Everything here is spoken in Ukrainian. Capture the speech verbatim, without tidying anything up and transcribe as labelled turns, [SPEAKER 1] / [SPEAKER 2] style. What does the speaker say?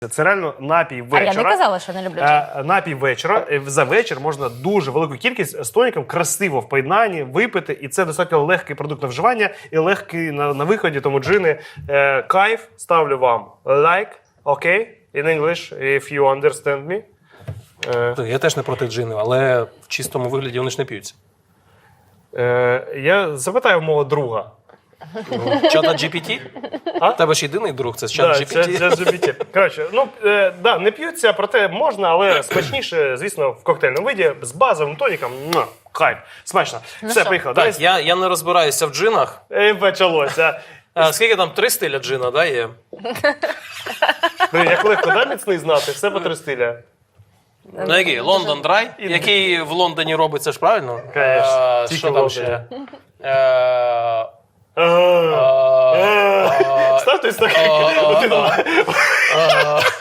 [SPEAKER 1] Це реально напій вечора.
[SPEAKER 2] А я не казала, що не люблю джин.
[SPEAKER 1] Е, Напій вечора. Е, За вечір можна дуже велику кількість з тоніком красиво в поєднанні випити. І це достатньо легкий продукт на вживання і легкий на, на виході. Тому джини е, кайф. Ставлю вам like, окей? Okay? In English, if you understand me. Е,
[SPEAKER 3] Я теж не проти джинів, але в чистому вигляді вони ж не п'ються.
[SPEAKER 1] е, я запитаю мого друга.
[SPEAKER 3] Чата джі пі ті?
[SPEAKER 1] А?
[SPEAKER 3] У тебе ж єдиний друг, це чат джі пі ті.
[SPEAKER 1] Це джі пі ті. Коротше, ну, е, да, не п'ються, проте можна, але смачніше, звісно, в коктейльному виді з базовим тоніком. Ну, хайп, смачно. Все,
[SPEAKER 2] що?
[SPEAKER 1] поїхали.
[SPEAKER 3] Так,
[SPEAKER 1] Давай.
[SPEAKER 3] я, я не розбираюся в джинах.
[SPEAKER 1] І почалося.
[SPEAKER 3] А, скільки там? Три стиля джина, да, є?
[SPEAKER 1] Блін, як легко, да, міцний знати? Все по три стиля.
[SPEAKER 3] Ну, який? Лондон Драй, який в Лондоні робиться ж правильно?
[SPEAKER 1] Конечно,
[SPEAKER 3] Е,
[SPEAKER 1] тільки
[SPEAKER 3] Що
[SPEAKER 1] в
[SPEAKER 3] там
[SPEAKER 1] Лондоні.
[SPEAKER 3] ще? Е,
[SPEAKER 1] Ага.
[SPEAKER 3] е,
[SPEAKER 1] Став той стакан.